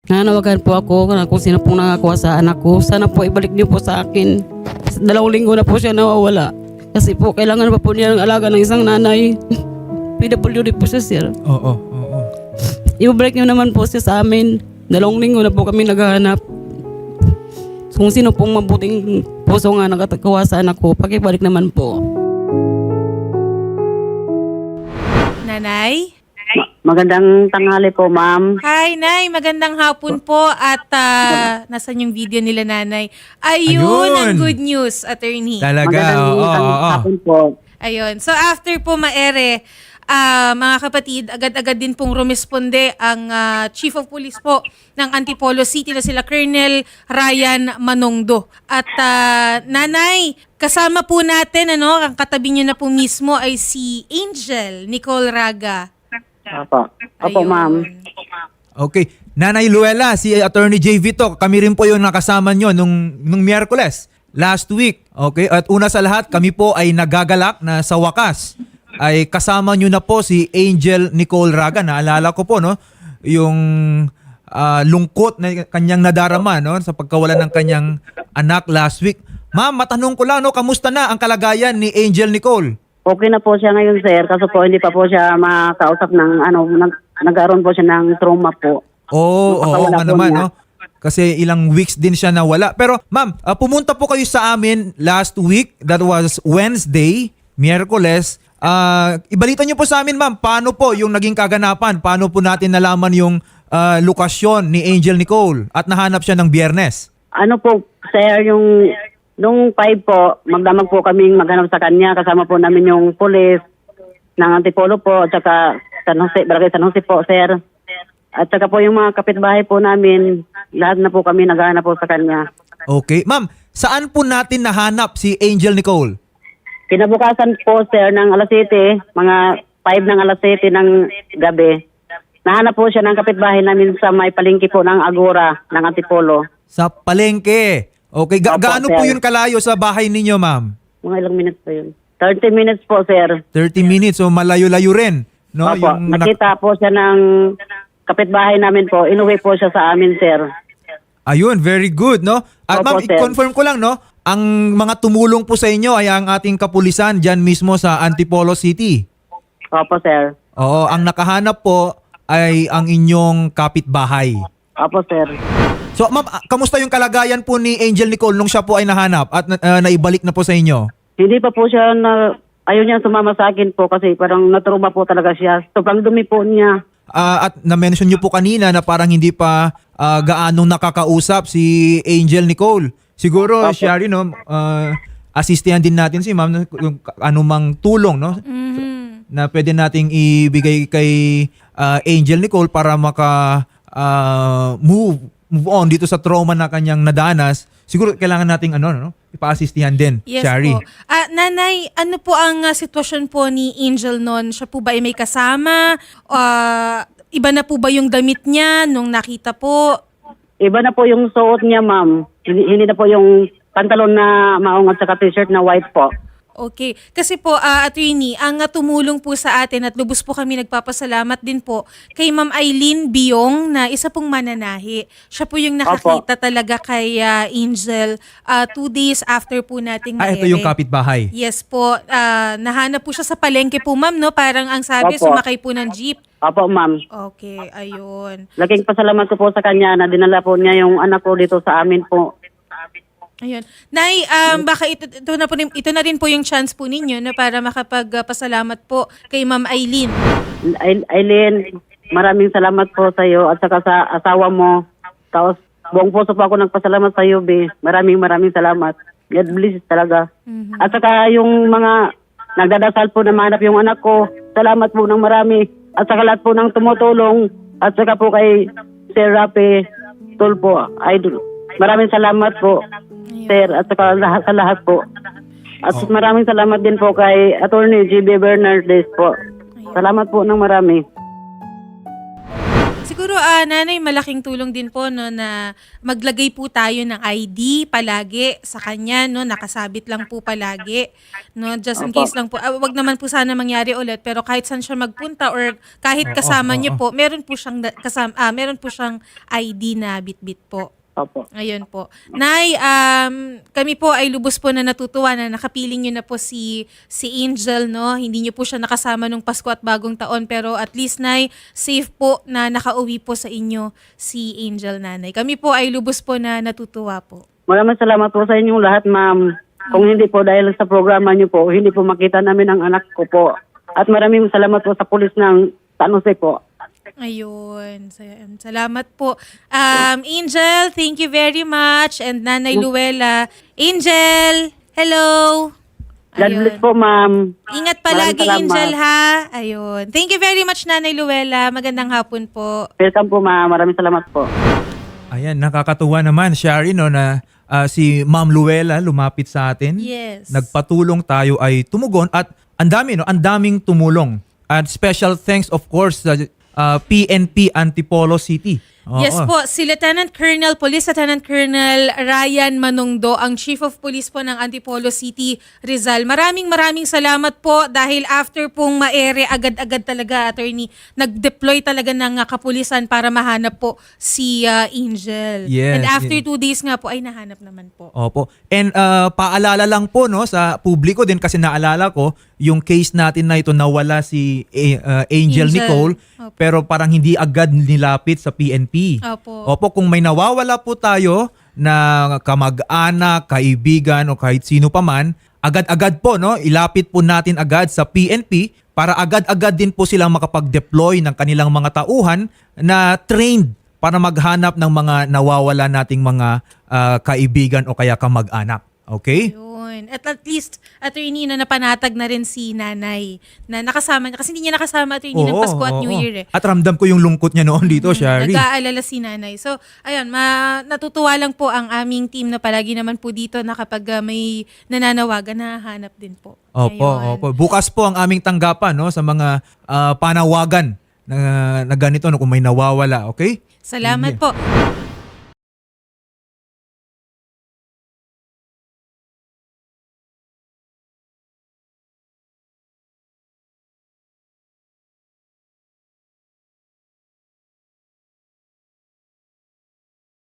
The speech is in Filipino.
Nanawagan po ako kung sino pong nangakuha sa anak ko. Sana po ibalik niyo po sa akin. 2 linggo na po siya nawawala. Kasi po kailangan pa po niya ng alaga ng isang nanay. PWD po siya, sir. Oo. Ibalik niyo naman po siya sa amin. 2 linggo na po kami naghahanap. Kung sino pong mabuting puso nga nakatakuha sa anak ko, pakibalik naman po. Nanay? Magandang tanghali po, ma'am. Hi, Nay. Magandang hapon po. At nasan yung video nila, Nanay? Ayun, ang Ayun. good news, attorney. Talaga, Magandang hapon po. Ayun. So after po maere, mga kapatid, agad-agad din pong rumisponde ang Chief of Police po ng Antipolo City na sila Colonel Ryan Manongdo. At Nanay, kasama po natin, ang katabi niyo na po mismo ay si Angel Nicole Raga. Opo. Opo, Ayun. ma'am. Okay. Nanay Luella, si Attorney J. Vito, kami rin po yung nakasama nyo nung Miyerkules, last week. Okay? At una sa lahat, kami po ay nagagalak na sa wakas ay kasama nyo na po si Angel Nicole Raga. Naalala ko po, no? Yung lungkot na kanyang nadarama, no? Sa pagkawalan ng kanyang anak last week. Ma'am, matanong ko lang, no? Kamusta na ang kalagayan ni Angel Nicole? Okay na po siya ngayon, sir. Kaso po, hindi pa po siya makausap ng, nagkaroon po siya ng trauma po. Oo Napakawala nga po naman, niya. no? Kasi ilang weeks din siya nawala. Pero ma'am, pumunta po kayo sa amin last week. That was Wednesday, Miyerkules. Ibalita niyo po sa amin, ma'am, paano po yung naging kaganapan? Paano po natin nalaman yung lokasyon ni Angel Nicole at nahanap siya ng Biyernes? Ano po, sir, nung 5 po, magdamag po kaming maghanap sa kanya. Kasama po namin yung police ng Antipolo po, at saka Barangay San Jose po, sir. At saka po yung mga kapitbahay po namin, lahat na po kami naghahanap po sa kanya. Okay. Ma'am, saan po natin nahanap si Angel Nicole? Kinabukasan po, sir, ng alas 7, mga 5 ng alas 7 ng gabi. Nahanap po siya ng kapitbahay namin sa may palengke po ng Agora ng Antipolo. Sa palengke. Okay. Opo, Gaano po sir. yun kalayo sa bahay ninyo, ma'am? Mga ilang minutes po yun? 30 minutes po, sir. 30 minutes. So malayo-layo rin. No? Opo, nakita po siya ng kapitbahay namin po. Inuwi po siya sa amin, sir. Ayun, very good, no? At Opo, ma'am, sir. i-confirm ko lang, no? Ang mga tumulong po sa inyo ay ang ating kapulisan dyan mismo sa Antipolo City. Opo, sir. Oo, ang nakahanap po ay ang inyong kapitbahay. Opo, sir. So, ma'am, kamusta yung kalagayan po ni Angel Nicole nung siya po ay nahanap at naibalik na po sa inyo? Hindi pa po siya ayaw niya sumama sa akin po kasi parang naturuma po talaga siya. Sobrang dumi po niya. At na-mention nyo po kanina na parang hindi pa gaanong nakakausap si Angel Nicole. Siguro, Opo. siya rin, no? Asistihan din natin si ma'am yung anumang tulong, no? Na pwede nating ibigay kay Angel Nicole para move on dito sa trauma na kanyang nadanas. Siguro kailangan nating ipa-assistihan din, Yes Shari. po. Nanay, ano po ang sitwasyon po ni Angel noon? Siya po ba ay may kasama? Iba na po ba yung damit niya nung nakita po? Iba na po yung suot niya, ma'am. Hindi na po yung pantalon na maong at saka t-shirt na white po. Okay. Kasi po, attorney, ang tumulong po sa atin at lubos po kami nagpapasalamat din po kay Ma'am Eileen Biong na isa pong mananahi. Siya po yung nakakita talaga kay Angel 2 days after po nating Ito yung kapitbahay. Yes po. Nahanap po siya sa palengke po, ma'am, no? Parang ang sabi, Opo. sumakay po ng jeep. Opo, ma'am. Okay, ayun. Laking pasalamat ko po sa kanya na dinala po niya yung anak ko dito sa amin po. Ayun. Nay, baka ito na rin po yung chance po ninyo na para makapagpasalamat po kay Ma'am Eileen. Aileen, maraming salamat po sa iyo at saka sa asawa mo. Tapos buong puso po ako nagpasalamat sa iyo, Be. Maraming salamat. God bless talaga. At saka yung mga nagdadasal po na mahanap yung anak ko, salamat po ng marami. At saka lahat po ng tumutulong. At saka po kay Sir Rapi Tulpo, Idol. Maraming salamat po, Sir, at saka sa lahat po. At maraming salamat din po kay Attorney G.B. Bernardes po. Salamat po ng marami. Siguro nanay, malaking tulong din po no na maglagay po tayo ng ID palagi sa kanya no, nakasabit lang po palagi no, just in case lang po. Wag naman po sana mangyari ulit, pero kahit saan siya magpunta or kahit kasama niyo po, meron po siyang meron po siyang ID na bitbit po. Opo. Ayun po. Nay, kami po ay lubos po na natutuwa na nakapiling nyo na po si Angel, no? Hindi nyo po siya nakasama nung Pasko at Bagong Taon, pero at least, Nay, safe po na nakauwi po sa inyo si Angel, nanay. Kami po ay lubos po na natutuwa po. Maraming salamat po sa inyong lahat, ma'am. Kung hindi po dahil sa programa niyo po, hindi po makita namin ang anak ko po. At maraming salamat po sa pulis ng San Jose po. Ayun. Salamat po. Angel, thank you very much. And Nanay Luella. Angel, hello. God bless po, ma'am. Ingat palagi, Maraming salamat. Angel, ha? Ayun. Thank you very much, Nanay Luella. Magandang hapon po. Welcome po, ma'am. Maraming salamat po. Ayan, nakakatuwa naman, Shari, no, na si Ma'am Luella lumapit sa atin. Yes. Nagpatulong, tayo ay tumugon at ang daming tumulong. At special thanks, of course, sa PNP Antipolo City. Oo. Yes po, si Police Lieutenant Colonel Ryan Manongdo, ang Chief of Police po ng Antipolo City, Rizal. Maraming salamat po dahil after pong maere, agad-agad talaga, attorney, nag-deploy talaga ng kapulisan para mahanap po si Angel. Yes, And after yes. 2 days nga po, ay nahanap naman po. Opo. And paalala lang po, no, sa publiko din, kasi naalala ko yung case natin na ito, nawala si Angel Nicole, Opo. pero parang hindi agad nilapit sa PNP. Opo. Kung may nawawala po tayo na kamag-anak, kaibigan o kahit sino pa man, agad-agad po, no, ilapit po natin agad sa PNP para agad-agad din po silang makapag-deploy ng kanilang mga tauhan na trained para maghanap ng mga nawawala nating mga kaibigan o kaya kamag-anak. Okay? Yun. At least, attorney, na napanatag na rin si nanay na nakasama niya. Kasi hindi niya nakasama, attorney, ng Pasko at New Year. At ramdam ko yung lungkot niya noon dito, Shari. Nag-aalala si nanay. So, ayun, natutuwa lang po ang aming team na palagi naman po dito na kapag may nananawagan, nahahanap din po. Ayun. Opo. Bukas po ang aming tanggapan, no, sa mga panawagan na ganito, no, kung may nawawala. Okay? Salamat po.